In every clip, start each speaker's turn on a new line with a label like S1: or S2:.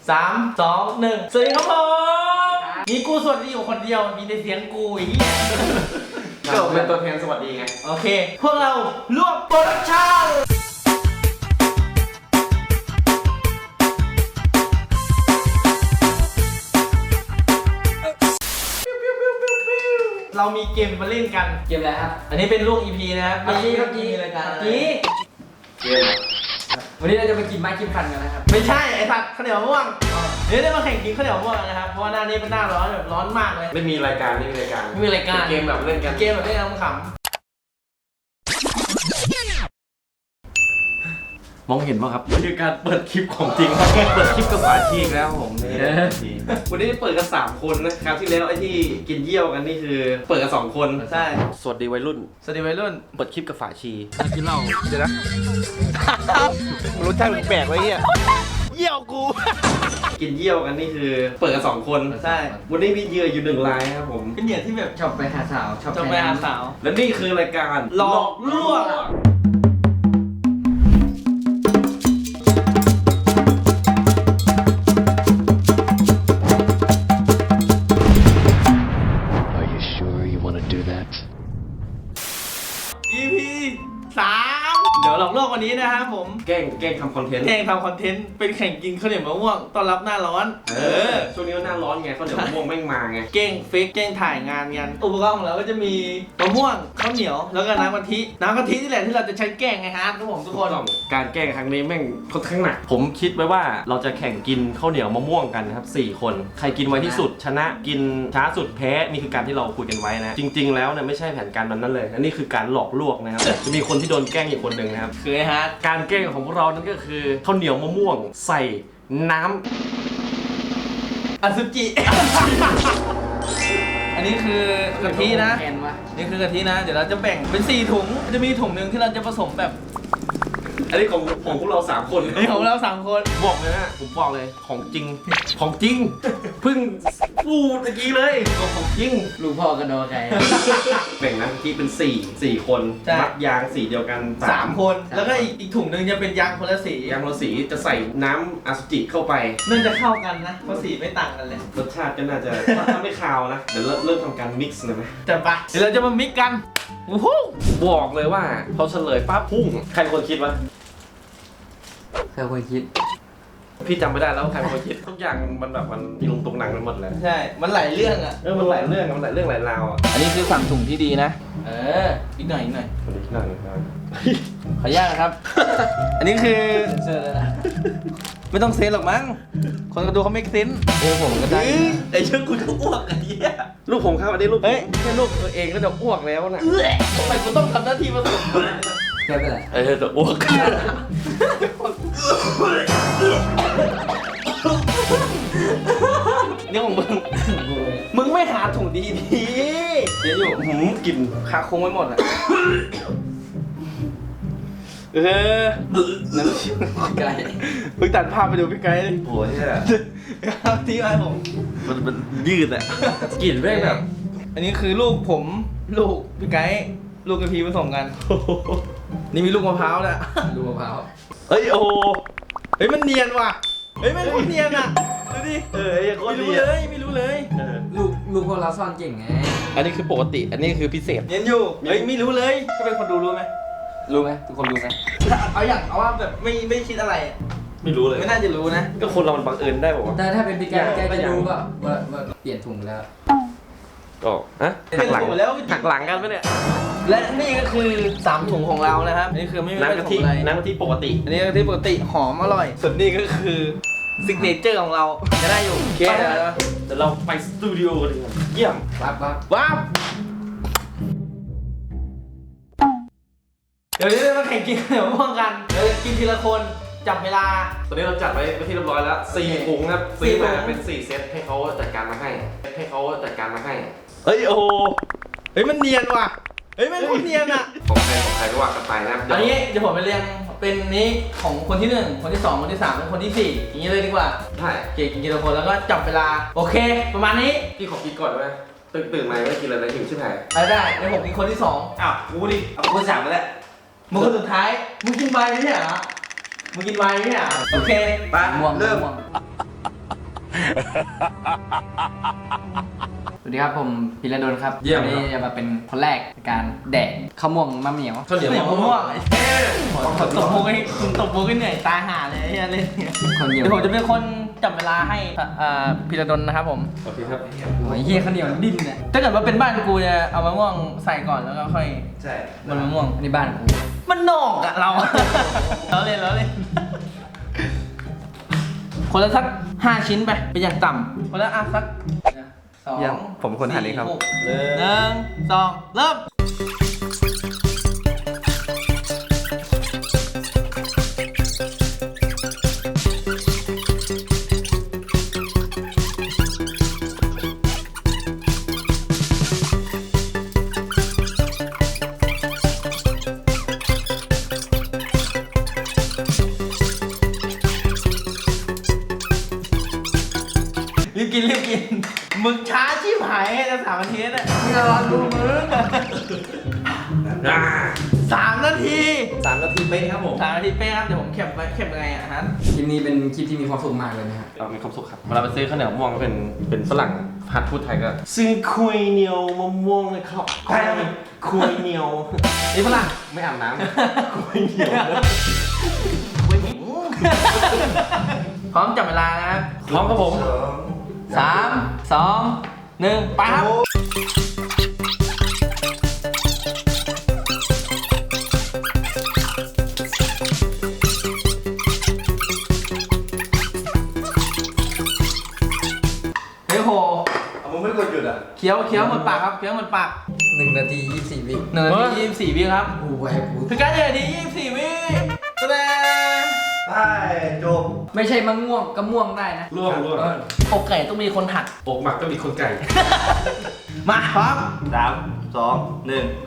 S1: 3 2 1สวัสดีครับผมมีกูสวัสดีอยู่คนเดียวมีแต่เสียงกูอีก
S2: ก็เป็นตัวแทนสวัสดีไง
S1: โอเคพวกเรารวบโปรดักชั่นเรามีเกมมาเล่นกัน
S3: เกมอะไรครับ
S1: อันนี้เป็นลูก EP นะครับ
S3: เมื่อกี้
S1: รายการ
S3: เมื่อกี้
S2: เกม
S3: วันนี้เราจะไปกินไม้กินฟันกันนะครับ
S1: ไม่ใช่ไอ้ผัดข้าวเหนียวมะม่วงเดี๋ยวได้มาแข่งกินข้าวเหนียวมะม่วงนะครับเพราะว่าหน้านี้เป็นหน้าร้อนแบบร้อนมากเลย
S2: ไม่มีรายการไม่มีรายการเกมแบบเล่นกัน
S1: เกมแบบเล่นขำ
S2: มองเห็นป่ะครับนี่คือการเปิดคลิปของจริงครับเปิดคลิปกับฝาชีกแล้วผมวันนี้เปิดกัน3คนนะครับที่แล้วไอ้ที่กินเยี่ยวกันนี่คือเปิดกัน2คน
S1: ใช่
S2: สวัสดีวัยรุ่น
S1: สวัสดีวัยรุ่น
S2: เปิดคลิปกับฝาชี
S1: กินเหล้า
S2: เดี๋ยวนะรสชาติแปลกๆเลยเนี่ยเยี่ยวกูกินเยี่ยวกันนี่คือเปิดกัน2คน
S1: ใช่
S2: วันนี้มีเหยื่ออยู่1 รายครับผม
S1: เป็นเหยื่อที่แบบ
S3: ชอบไปหาสาว
S1: ชอบไปหาสาว
S2: และนี่คือรายการ
S1: หลอกลวงEP 3เดี๋ยวหลอกลวงวันนี้นะครับผม
S2: แกล้งทำคอนเทนต์
S1: เป็นแข่งกินข้าวเหนียวมะม่วงต้อนรับหน้าร้อน
S2: ช่วงนี้หน้าร้อนไงข้าวเหนียวมะม่วงแม่งมาไง
S1: แกล้งเฟกแกล้งถ่ายงานกันอุปกรณ์ของเราก็จะมีมะม่วงข้าวเหนียวแล้วก็น้ำกะทินี่แหละที่เราจะใช้แกล้งไงฮะทุกผมทุกคน
S2: การแกล้งครั้งนี้แม่งค่อนข้างหนักผมคิดไว้ว่าเราจะแข่งกินข้าวเหนียวมะม่วงกันนะครับ4 คนใครกินไวที่สุดชนะกินช้าสุดแพ้นี่คือการที่เราคุยกันไว้นะจริงๆแล้วเนี่ยไม่ใช่แผนการนั้นเลยอันนี้คือการหลอกลวงนะครับจะมีคนที่โดนแกล้งอีกคนหนึ่งนะครับ
S1: คือฮะ
S2: การแกล้งของพวกเรานั่นก็คือข้าวเหนียวมะม่วงใส่น้
S1: ำอสุจิ อันนี้คือกะทินะนี่คือกะทินะเดี๋ยวเราจะแบ่งเป็น4 ถุงจะมีถุงหนึ่งที่เราจะผสมแบบ
S2: อันนี้ของพวกเรา3 คน
S1: นี่ของเรา3 คน
S2: บอกเลยนะผมบอกเลยของจริงเพิ่งพูดเมื่อกี้เลยของจริง
S3: ลูกพ่อกันโดนใคร
S2: แบ่งนะที่เป็น4 คนมัดยางสีเดียวกัน
S1: 3 คนแล้วก็อีกถุงหนึ่งจะเป็นยางคนละสี
S2: จะใส่น้ำอสุจิเข้าไป
S1: น่าจะเข้ากันนะเพราะสีไม่ต่างกันเลย
S2: รสชาติก็น่าจะถ้าไม่คาวนะเดี๋ยวเริ่มทำการมิกซ์เลยไหม
S1: จะไปเดี๋ยวเราจะมามิกกัน
S2: บอกเลยว่าพอเฉลยปั๊บพุ่งใครเป็นคนคิดวะ
S3: ใครเป็นคนคิด
S2: พี่จำไม่ได้แล้วใครเป็นคนคิดทุกอย่างมันแบบมันมีลงตรงหนังไปหมดเลย
S1: ใช่มันหลายเรื่องอ่ะ
S2: มันหลายเรื่องหลายราวอ่ะ
S1: อันนี้คือสั่งถุงที่ดีนะอีกหน่อย
S2: คนอีกหน่อยครับ
S1: ขออนุญาตนะครับอันนี้คือ
S3: เซอร์เลยนะ
S1: ไม่ต้องเซนหรอกมั้งคนก็ดูเขาไม่เซนผมก็ได้
S2: ไอ้เชื่อคุณก็อ้วกไอ้เหี้ยลูกผมครับอันนี้ลูกแค่ลูกตัวเองก็จะอ้วกแล้วนะ
S1: ทำไมกูต้องทำหน้าที่ผสม
S3: แค่เป็นไร
S2: จะอ้วก
S1: นี่ของมึงไม่หาถุงดี
S2: เดี๋ยวอยู่กลิ่น
S1: คาคงไว้หมดอ่ะ
S3: น้ำไก่
S1: เพิ่งตัดภาพไปดูพี่ไก่เลย
S2: โอ้ยเนี่ย
S1: ที่ไอ้ผม
S2: มันยืดอ่ะกลิ่นแม่งแบบ
S1: อันนี้คือลูกผมลูกพี่ไก่ลูกกะทิผสมกันนี่มีลูกมะพร้าวนะ
S3: ลูกมะพร้าว
S2: โอ้
S1: มันเนียนว่ะมันเนียนอ่ะดูดิ
S2: ไม่
S1: รู้เลย
S3: ลูกพวกเราซ่อนเก่งไง
S2: อันนี้คือปกติอันนี้คือพิเศษ
S1: เนียนอยู่ไม่รู้เลยก็เป็นคนดูรู้ไหม
S3: ทุกคนรู้ไหม
S1: เอาว่าแบบไม่คิดอะไร
S2: ไม่รู้เลย
S1: ไม่น่าจะรู้นะ
S2: ก็คนเรามันบังเอิญได้บอกว่า
S3: แต่ถ้าเป็นพี่แกจะรู้ว่าเปลี่ยนถุงแล้ว
S2: ก็หักหลังกันไหมเนี่ย
S1: และนี่ก็คือ3 ถุงของเรานะครับนี่คือไม่มี
S2: น้ำกะทิปกติ
S1: อันนี้กะทิปกติหอมอร่อยส่วนนี้ก็คือซิกเนเจอร์ของเราจะได้อยู่
S2: แค่เดี๋ยวเราไปสตูดิโอกันดีกว่าเยี่ยม
S1: ว้าวเดี๋ยวนี้เรามาแข่งกินเดี๋ยวม่วงกันเดี๋ยวกินทีละคนจับเวลา
S2: ตอนนี้เราจัดไว้ที่เรียบร้อยแล้ว4 ถุงครับซื้อมาเป็น4 เซตให้เขาจัดการมาให้
S1: มันเนียนว่ะมันคนเนียนอ่ะ
S2: ของใครก็ว่ากันไปนะ
S1: อันนี้เดี๋ยวผมไปเรียงเป็นนี้ของคนที่1คนที่2คนที่3และคนที่4อย่างนี้เลยดีกว่า
S2: ใช่
S1: เก่งกินทีละคนแล้วก็จับเวลาโอเคประมาณนี้
S2: พี่ขอกินก่อนได้ไหมตื่นมาไม่กินอะไรหิวใช่ไหม
S1: ได้ในผมกินคนที่2
S2: กูดิเอาคน3ไปแล้ว
S1: มึงคนสุดท้ายมึงกินไวน์ไม่ใช่เหรอโอเค
S3: ไป
S1: เริ่ม
S3: สวัสดีครับผมพิรดลครับ
S2: เยี่ยม
S3: วันนี้จะมาเป็นคนแรกในการแดกข้าวม่วงมะเหมียว
S2: ข้าวเหนียว
S1: เสียง
S2: มะ
S1: มะ
S2: ม่
S1: ม่
S2: ว
S1: ว
S2: ง
S1: งไอ้เท่ตบมุกให้คุณตบมุกให้เหนื่อยตายห่าเลยไอ้เหี้ยเล่นเนี่ย
S3: ข้าวเหนียว
S1: เดี๋ยวผมจะเป็นคนจับเวลาให้พีระดลนะครับผม
S2: โอเคครับ
S3: โอ้ยเฮียข้าวเหนียวดิ้นเนี่ย
S1: ถ้าเกิดว่าเป็นบ้านกูจะเอามะม่วงใส่ก่อนแล้วก็ค่อย
S2: ใช่
S1: บนมะม่วง
S3: อันนี้บ้านกู
S1: มันนอกอะเรา เราเล่นเราเล่น คนละสัก5 ชิ้นไปเป็นอย่างต่ำคนละสัก2
S4: ยังผมเป็นคนหั่นเองครับ
S1: 4 6 1 2 เริ่มรีบกินมึงช้าชิบหายจะ3 นาทีน่ะมึงรอดูมึง3 นาที
S2: 3 นาทีเป๊ะครับผม
S1: 3 นาทีเป๊ะครับเดี๋ยวผมเข็บยังไงอะฮะ
S3: คลิปนี้เป็นคลิปที่มีความสุขมากเลยนะครับ
S2: เรามีความสุขครับเวลาไปซื้อข้าวเหนียวมะม่วงก็เป็นฝรั่งหัดพูดไทยก็ซื้อคุยเหนียวมะม่วงเลยครับใช่คุยเหนียวนี่ฝรั่งไม่อาบน้ำคุยเหนียว
S1: พร้อมจับเวลานะครับ
S2: พร้อมครับผม
S1: 3 2 1 ไปครับ เฮ้ยโห
S2: มึงไม่กดหยุดอ่ะ
S1: เคี้ยวหมดปากครับเคี้ยวหมดปาก
S3: 1 นาที 24 วิ
S1: 1 นาที 24 วิครับ
S3: กูไว้กู
S1: คือการ1 นาที 24 วิแสดง
S4: ได้จบ
S3: ไม่ใช่มะม่วงก็ม่วงได้นะ
S2: ร่วง
S1: อกไก่ต้องมีคนหัก
S2: อกหมักก็มีคนไก่
S1: มาพร้อม
S4: 3 2 1
S2: ไป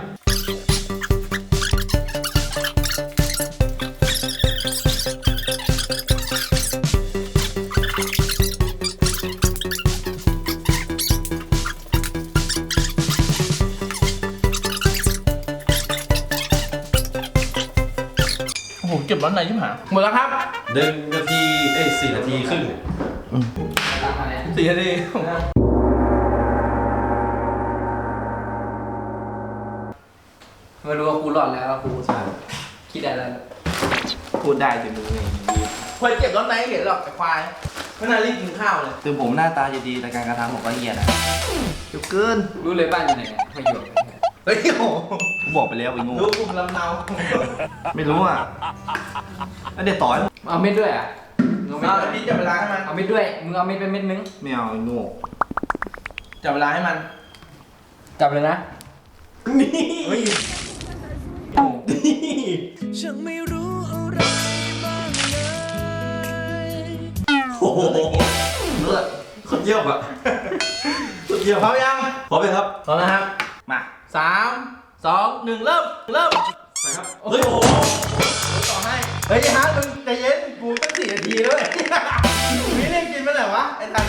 S1: โอ้โหเก็บร้อนไหนชิบหายหมดแล้วครับ
S2: 1 นาที4 นาทีครึ่ง
S3: ตั้งมาแล้ว
S1: 4 นาที
S3: ไม่รู้ว่ากูรอดแล้วกูสาคิดได้แล้ว
S4: พูดได้ถึงมือเอง
S1: คนเก็บร้อนไหนเห็นหรอกแต่ควายไม่น่ารีบกินข้าวเลย
S4: ถึงผมหน้าตาจะดีแต่การกระทำผมก็เหี้ยนะเดี๋ยวเกิน
S3: รู้เลยบ้านอยู่ไหนเนี่ยไม่อยู่
S1: เฮ้ยโอ้
S4: กูบอกไปแล้วไอ้โงู
S1: รู้กลุ่มลำเนา
S4: ไม่รู้อ่ะแล้วเดี๋ยวต่อย
S3: เอาเม็ดด้วยอ่ะมึงเอา
S1: เอา
S3: เม็ด
S1: พี่จับเวลาให้มัน
S3: เอาเม็ดด้วยมึงเอาเม็ดเป็นเม็ดนึง
S4: ไม่เอาไอ้โงู
S1: จับเวลาให้มัน
S3: จับเลยนะ
S1: นี่เฮ้ยโอ้
S5: ฉันไม่รู้อะไรบ้างเลย
S2: โอ้โหเลือดคนเยี่ยมอ่ะคนเยี่ยม
S1: พร้อมยัง
S2: พร้อมไหมครับ
S1: พร้อมนะครับ
S4: มา
S1: 3 2 1 เริ่ม
S2: ไปครับ
S1: เฮ้ยโอ้โหต่อให้ เฮ้ยฮาร์ดมึงใจเย็น กูตั้ง4 นาทีแล้วเว้ยนี่เล่นกินเมื่อไหร่วะ ไอ้ทัน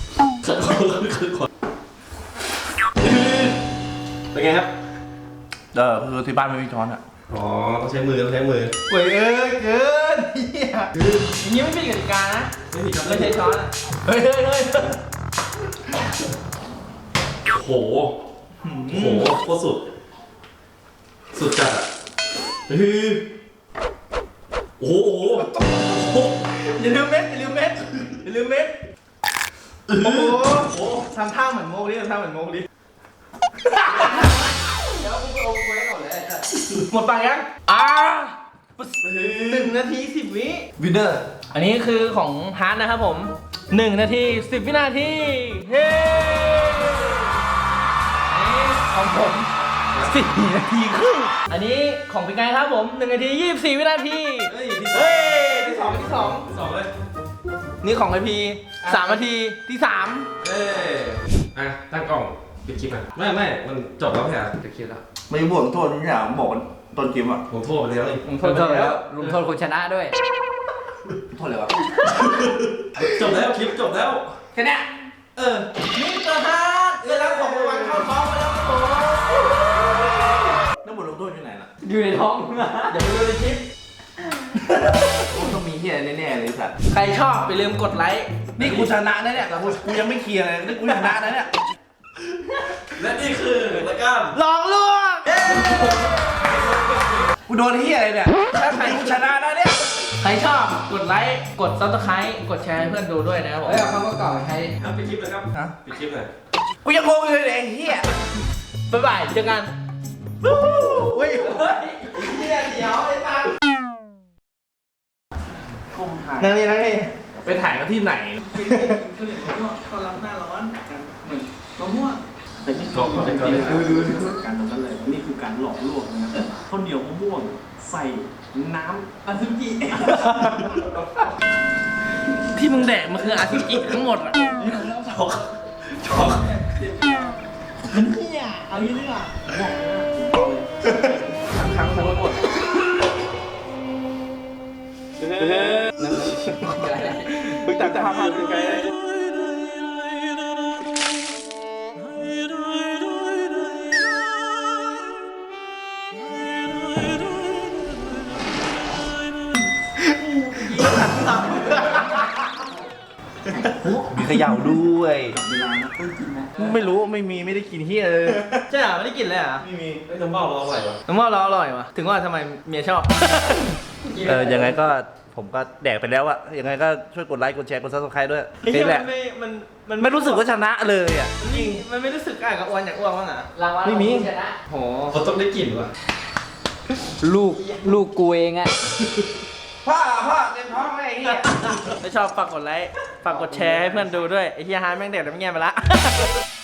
S2: เป็นไงครับ
S4: คือที่บ้านไม่มีช้อนอ่ะ
S2: อ๋อต้องใช้มือต้องใช้มือ
S1: เว้ยเอ้ยเกินเฮียอย่างนี้ไม่มีกติกานะ
S2: ไม่มีครับ
S1: ไม่ใช่ช้อนอะเฮ้ย
S2: โอ้โหโอ้โหโคตรสุด สุดจัดอ่ะคือโอ้โห
S1: อย่าลืมเม็ดอย่าลืมเม็ดอย่าลืมเม็ดโอ้โหทำท่าเหมือนโมกดิทำท่าเหมือนโมกดิ
S3: แล้วกูเอาไว้ก่อนเลย
S1: หมดปากยัง1 นาที 10 วิ
S4: วินเนอร์
S1: อันนี้คือของฮาร์ดนะครับผม 1 นาที 10 วินาที เฮ้อันนี้ของผม 4 นาทีครึ่ง อันนี้ของเป็นไงครับผม 1 นาที 24 วินาที
S2: เฮ้ยที่สอง
S1: เฮ้ย ที่สอง
S2: ที่สองเลย
S1: นี่ของไอพี3 นาที ที่
S2: เอ้ยอ่ะตั้งกล้องปิดคลิปอ่ะไม่มันจบแล้วแค่ปิดคลิปแล้ว
S4: ไม่บวกโทษทุกอย่างผมบอกต้นเกมอ่ะ
S2: ผมโทษไปแล้วนี่
S1: 3
S3: โทษแล้วลุงโทษคนชนะด้วย
S4: โทษเลยวะ
S2: จบแล้วคลิปจบแล้ว
S1: แค่เนี้ย
S2: เออ
S1: มิสเตอร์ฮาร์ดได้รับของรางวัลเข้าท้องมาแล้วครับผม
S4: แล้วบทลงโทษอยู่ไหนล่ะ
S3: อยู่ในท้อง
S1: เดี๋ยวไปดูในคลิป
S4: มันต้องมีเหี้ยแน่ๆเลยสัตว์
S1: ใครชอบอย่าลืมกดไลค์
S4: นี่กูชนะนะเนี่ยแต่กูยังไม่เคลียร์เลยนี่กูชนะนะเนี่ย
S2: และนี่คือรายการ
S1: ลองล่วง
S4: กูโดนที่อะไรเนี่ยถ้าใครกูชนะนะเนี่ย
S1: ใครชอบกดไลค์กด Subscribe กดแชร์ให้เพื่อนดูด้วยนะครับผม
S3: เฮ้ยเอาคำว่าเก่าไปใช้
S2: ครับปิดคลิปเลยครับ
S4: ฮะ
S2: ปิดคลิปเลย
S4: กูยังงงอยู่เลยไอ้เหี้ย
S1: บ๊ายบายเจอกันเฮ้ยเนี่ยเดี๋ยวไอ้ตังนั่งนี่นั่งนี่
S2: ไปถ่ายกันที่ไหน
S1: เขารับหน้าร้อนเหมือนมะม่วง
S2: ก็ดูการตรงนั้นเลยนี่คือการหลอกลวงนะครับข้าวเหนียวมะม่วงใส่น้ำ
S1: อาซุจิที่มึงแดกมันคืออาซุจิทั้งหมดอ่ะ
S2: ช็อก
S1: เนี่ยเอางี้ดีกว่า
S2: ทั้งหมด
S1: มึงตัดภาพมาไกล
S4: มีเขย่าด้วยไม่รู้ไม่ได้กินเหี้ยเลย
S1: ใช่เหรอไม่ได้กินเลยเหรอ
S2: ไม่มีไอ้น้ำเบ้าเราอร่อยวะ
S1: น้ำมันเราอร่อยวะถึงว่าทำไมเมียชอบ
S4: ยังไงก็ผมก็แดกไปแล้วอะยังไงก็ช่วยกดไลค์กดแชร์กดซับสไครต์ด้วยนี่แหละ
S1: มัน
S4: ไม่รู้สึกว่าชนะเลยอะ
S1: จริงมันไม่รู้สึกอ่ะกับอ้วนอยากอ้วนบ้างอ่ะ
S3: รางวัล
S4: ไม่มี
S3: ของผู้ชนะ
S1: โห
S2: เขาต้องได้กลิ่นวะ
S3: ลูกกูเองอะ
S4: พ่อเต็มท้องเลยไอ้เหี้ย
S1: ถ้าชอบฝากกดไลค์ฝากกดแชร์ให้เพื่อนดูด้วยไอ้เฮียฮาร์ดแม่งเด็ดแล้วไม่แง่ไปละ